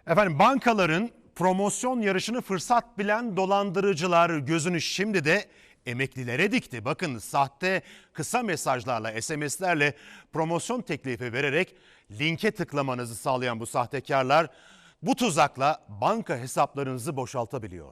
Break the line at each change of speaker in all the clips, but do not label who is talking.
Efendim bankaların promosyon yarışını fırsat bilen dolandırıcılar gözünü şimdi de emeklilere dikti. Bakın sahte kısa mesajlarla, SMS'lerle promosyon teklifi vererek linke tıklamanızı sağlayan bu sahtekarlar bu tuzakla banka hesaplarınızı boşaltabiliyor.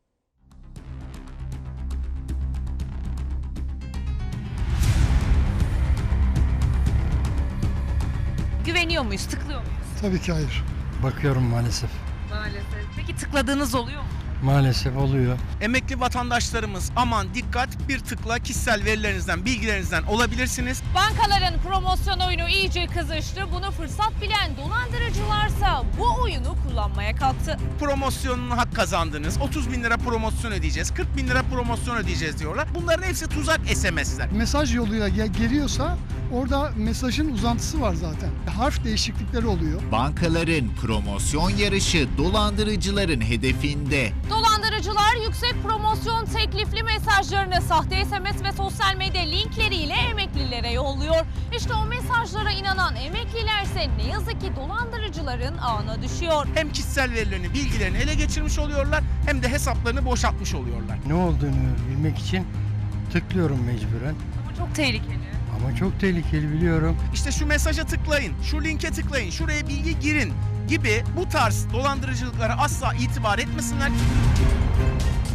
Güveniyor muyuz, tıklıyor muyuz?
Tabii ki hayır.
Bakıyorum maalesef.
Maalesef. Peki tıkladığınız oluyor mu?
Maalesef oluyor.
Emekli vatandaşlarımız aman dikkat, bir tıkla kişisel verilerinizden, bilgilerinizden olabilirsiniz.
Bankaların promosyon oyunu iyice kızıştı. Bunu fırsat bilen dolandırıcılarsa bu oyunu kullanmaya kalktı.
Promosyonunu hak kazandınız. 30 bin lira promosyon ödeyeceğiz, 40 bin lira promosyon ödeyeceğiz diyorlar. Bunların hepsi tuzak SMS'ler.
Mesaj yoluyla geliyorsa orada mesajın uzantısı var zaten. Harf değişiklikleri oluyor.
Bankaların promosyon yarışı dolandırıcıların hedefinde.
Dolandırıcılar yüksek promosyon teklifli mesajlarını sahte SMS ve sosyal medya linkleriyle emeklilere yolluyor. İşte o mesajlara inanan emeklilerse ne yazık ki dolandırıcıların ağına düşüyor.
Hem kişisel verilerini, bilgilerini ele geçirmiş oluyorlar hem de hesaplarını boşaltmış oluyorlar.
Ne olduğunu bilmek için tıklıyorum mecburen.
Ama çok tehlikeli.
Ama çok tehlikeli biliyorum.
İşte şu mesaja tıklayın, şu linke tıklayın, şuraya bilgi girin gibi bu tarz dolandırıcılıklara asla itibar etmesinler.